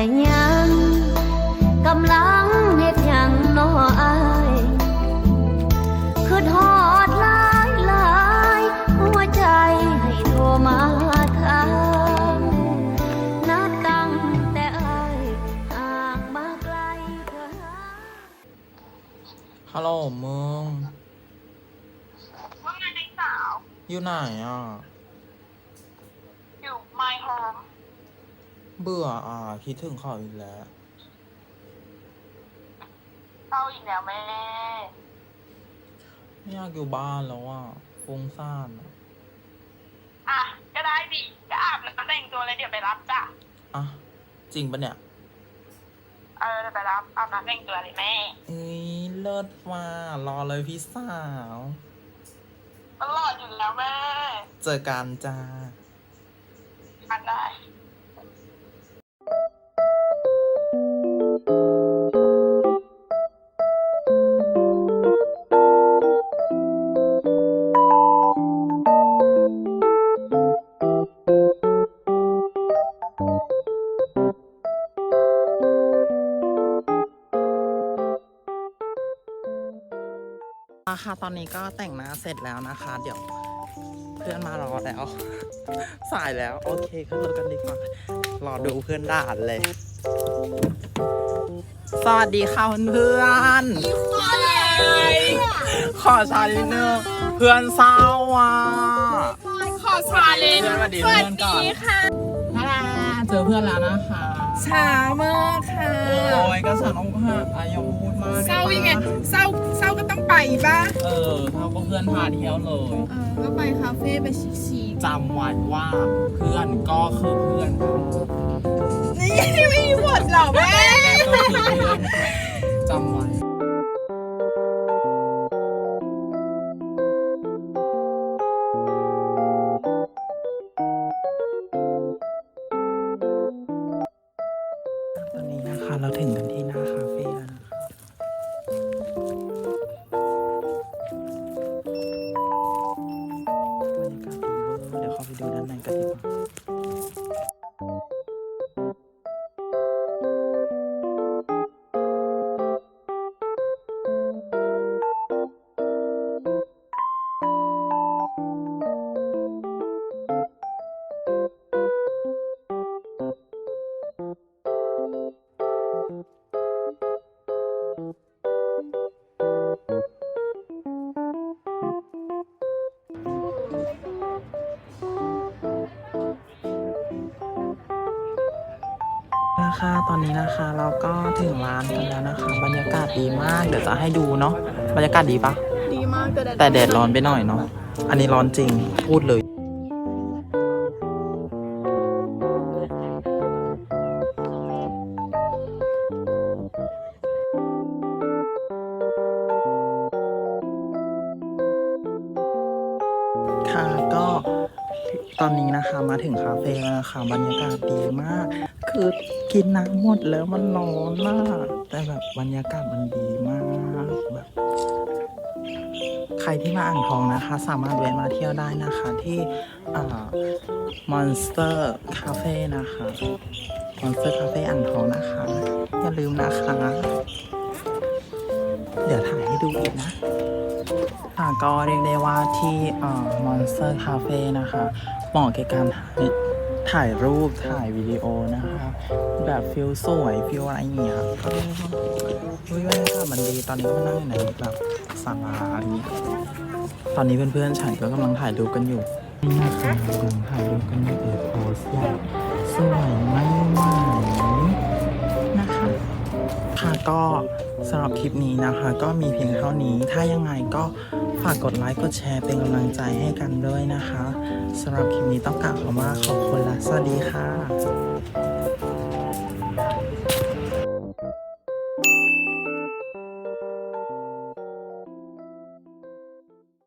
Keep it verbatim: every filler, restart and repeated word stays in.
ยังกำลังเฮ็ดหยังน้ออายคือทอดหลายหลายหัวใจให้โทรมาถามนัดตั้งแต่อายห่างมาไกลเธอฮัลโหลมึงว่าไงในสาวอยู่ไหนอ่ะอยู่ my home เบื่ออ่ะคิดถึงเขาอีกแล้วเศร้าอีกแล้วแม่ไม่อยากอยู่บ้านแล้วอ่ะฟุ้งซ่านอ่ะอ่ะ ก็ได้ดิก็อาบน้ำแต่งตัวเลยเดี๋ยวไปรับจ้ะอ่ะจริงปะเนี่ยเออเดี๋ยวไปรับอาบน้ำแต่งตัวเลยแม่เอ้ยเลิศว่ารอเลยพี่สาวตลอดอยู่แล้วแม่เจอกันจ้าอันได้ค่ะตอนนี้ก็แต่งหน้าเสร็จแล้วนะคะ เดี๋ยวเพื่อนมารอแล้ว สายแล้วโอเคขึ้นรถกันดีกว่ารอดูเพื่อนด่านเลยสวัสดีค่ะเพื่อนขอชาลิเนอร์เพื่อนเศร้าอ่ะขอชาเลนเพื่อนสวัสดีเพื่อนก่อนค่ะเจอเพื่อนแล้วนะคะช้ามากค่ะโอ้ยก็ฉันอกหักอายุพูดมากเศร้ายังไงเศร้าเศร้าก็ต้องไปป่ะเออเขาก็เพื่อนพาเที่ยวเลยเออก็ไปคาเฟ่ไปชิคจำไว้ว่าเพื่อนก็คือเพื่อนๆนี่ไม่มีบทหรอแม่ก็คือเพื่อนจำไว้ตอนนี้นะคะเราถึงกันที่หน้าคาเฟ่แล้วนะคะบรรยากาศดีเวอร์เดี๋ยวเข้าไปดูด้านในกันดีกว่านะคะตอนนี้นะคะเราก็ถึงร้านกันแล้วนะคะบรรยากาศดีมากเดี๋ยวจะให้ดูเนาะบรรยากาศดีปะดีมากแต่แต่แดดร้อนไปหน่อยเนาะอันนี้ร้อนจริงพูดเลยค่ะก็ตอนนี้นะคะมาถึงคาเฟ่แล้วนะคะบรรยากาศดีมาก คือกินน้ำหมดแล้วมันร้อนมากแต่แบบบรรยากาศมันดีมากแบบใครที่มาอ่างทองนะคะ สามารถแวะมาเที่ยวได้นะคะที่อ่า Monster Cafe นะคะ Monster Cafe อ่างทองนะคะอย่าลืมนะคะ เดี๋ยวถ่ายให้ดูอีกนะค่ะก็เรียกได้ว่าที่อ่า Monster Cafe นะคะเหมาะแก่การถ่ายถ่ายรูปถ่ายวิดีโอนะคะแบบฟิลสวยฟิลอะไรอย่างเงี้ยก็เฮ้ยบรรยากาศมันดีตอนนี้ก็มานั่งอยู่ในแบบศาลาอย่างเงี้ยตอนนี้เพื่อนๆฉันก็กำลังถ่ายรูปกันอยู่นี่นะคะกำลังถ่ายรูปกันอยู่โพสอย่างสวยไม่ไหวนะคะค่ะก็สำหรับคลิปนี้นะคะ ก็มีเพียงเท่านี้ถ้ายังไงก็ฝากกดไลค์กดแชร์เป็นกำลังใจให้กันด้วยนะคะสำหรับคลิปนี้ต้องกล่าวคำว่าขอบคุณและสวัสดีค่ะ